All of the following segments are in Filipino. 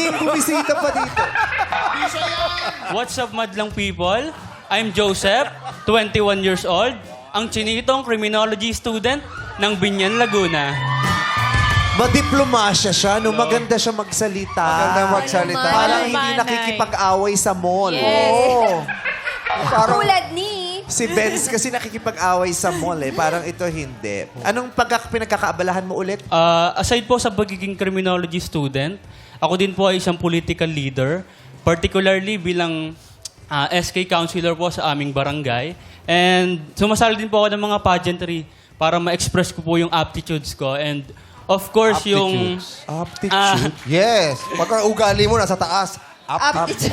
Bumisita pa dito. What's up, madlang people? I'm Joseph, 21 years old, ang chinitong criminology student ng Binyan, Laguna. Madiplomasya siya, no? Maganda siya magsalita. Maganda magsalita. Parang hindi Manay. nakikipag-away sa mall. Yes. Oo. Tulad ni... Si Benz kasi nakikipag-away sa mall eh. Parang ito hindi. Anong pinagkakaabalahan mo ulit? Aside po sa pagiging criminology student, ako din po ay isang political leader, particularly bilang SK councilor po sa aming barangay. And sumasali din po ako ng mga pageantry para ma-express ko po yung aptitudes ko. And of course, yung... Aptitude. Yes. Pagka ugali mo nasa taas. Aptitude.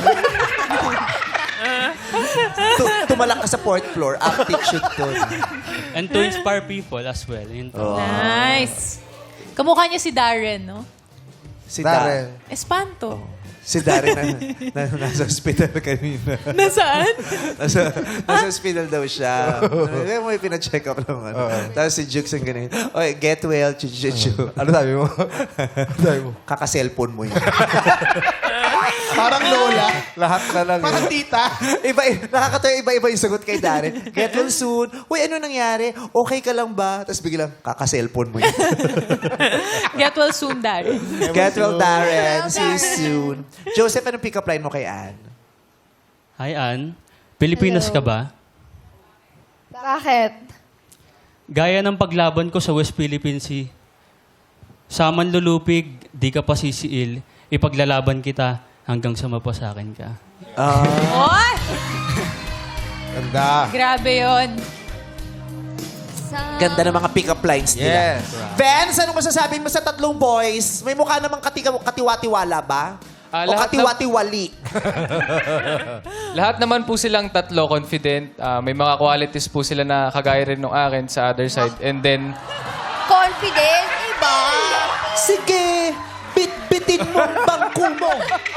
Tumalak ka sa fourth floor. Aptitude to. And to inspire people as well. Yun po. Nice. Kamukha niya si Darren, no? Si Darren. Espanto. Si Darren na nasa hospital kanina. Nasaan? nasa hospital daw siya. May pina-check up naman. Tapos si Jukes ang ganun. Oy, get well, chuchuchu. Ano sabi mo? Ano sabi mo? Kaka-cellphone mo yun. Parang lola. Lahat na lang. Parang tita. Nakakatawa iba-iba yung sagot kay Darren. Get well soon. Uy, ano nangyari? Okay ka lang ba? Tapos biglang, kaka-cellphone mo yun. Get well soon, Darren. Get well, Darren. See you soon. Joseph, anong pick-up line mo kay Ann? Hi, Ann. Pilipinas ka ba? Bakit? Gaya ng paglaban ko sa West Philippine Sea. Sa manlulupig, di ka pa sisiil. Ipaglalaban kita hanggang sa mapasakin ka. Oy! Ganda. Grabe yon. Ganda ng mga pick-up lines nila. Yes. Vance, anong masasabi mo sa tatlong boys? May mukha namang katiwatiwala ba? O lahat katiwatiwali? Lahat naman po silang tatlo confident. May mga qualities po sila na kagaya rin ng akin sa other side. And then, Confident, iba. Sige, bit-bitin mo ang bangko mo.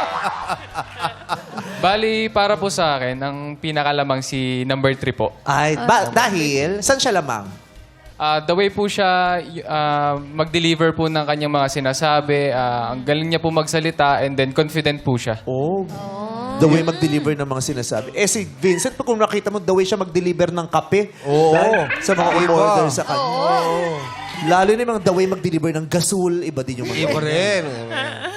bali para po sa akin, ang pinakalamang si number 3 po. Ay, dahil, saan siya lamang? The way po siya mag-deliver po ng kanyang mga sinasabi, ang galing niya po magsalita, and then confident po siya. Oh. The way mag-deliver ng mga sinasabi. Eh si Vincent, pag kung nakita mo, the way siya mag-deliver ng kape. Oo. Sa mga Iba. order sa kanya. Lalo na yung mga the way mag-deliver ng gasol, iba din yung mga. Iba rin.